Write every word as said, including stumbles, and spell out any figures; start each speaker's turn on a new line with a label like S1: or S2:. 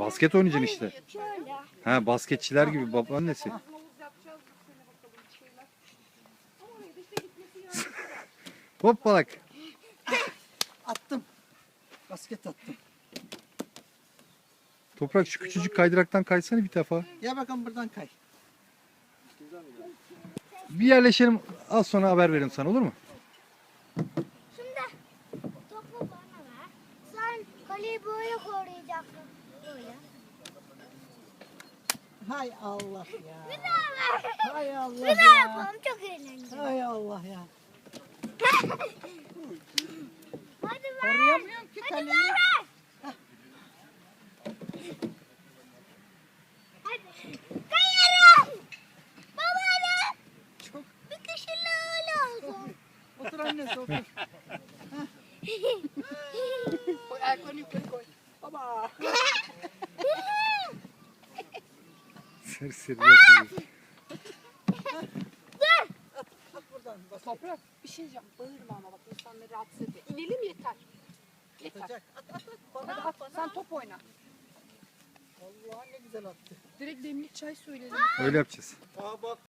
S1: Basket oynayacaksın işte.
S2: Şöyle.
S1: Ha, basketçiler gibi babaannesi. Hoppalak.
S3: Attım. Basket attım.
S1: Toprak şu küçücük kaydıraktan kaysana bir defa.
S3: Ya bakalım buradan kay.
S1: Bir yerleşelim, az sonra haber veririm sana, olur mu?
S2: Şimdi topu bana ver. Sen kaleyi böyle koruyacaksın. Böyle.
S3: Hay Allah ya.
S2: Bir daha ver.
S3: Hay Allah
S2: Bir daha
S3: ya.
S2: yapalım. Çok eğlenceli.
S3: Hay Allah ya.
S2: Hadi ver.
S3: Koruyamıyorum ki
S2: Hadi
S3: kaleyi.
S2: ver. Hadi. Kayarım. Babaanne.
S3: Çok.
S2: Bir kişiyle olsun.
S3: Otur annesi otur. Koy ayaklarını yukarı koy. Baba.
S1: Serseri yapıyor.
S3: At buradan. Basket
S4: Toprak bir şey diyeceğim. Bağırma ama bak insanları rahatsız ediyor. İnelim yeter. Yeter.
S3: atacak. At at at.
S4: Hadi
S3: Bana
S4: at,
S3: at bana.
S4: sen top oyna.
S3: Allah ne güzel attı.
S4: Direkt demlik çay söyledim.
S1: Öyle yapacağız.
S3: Aa bak.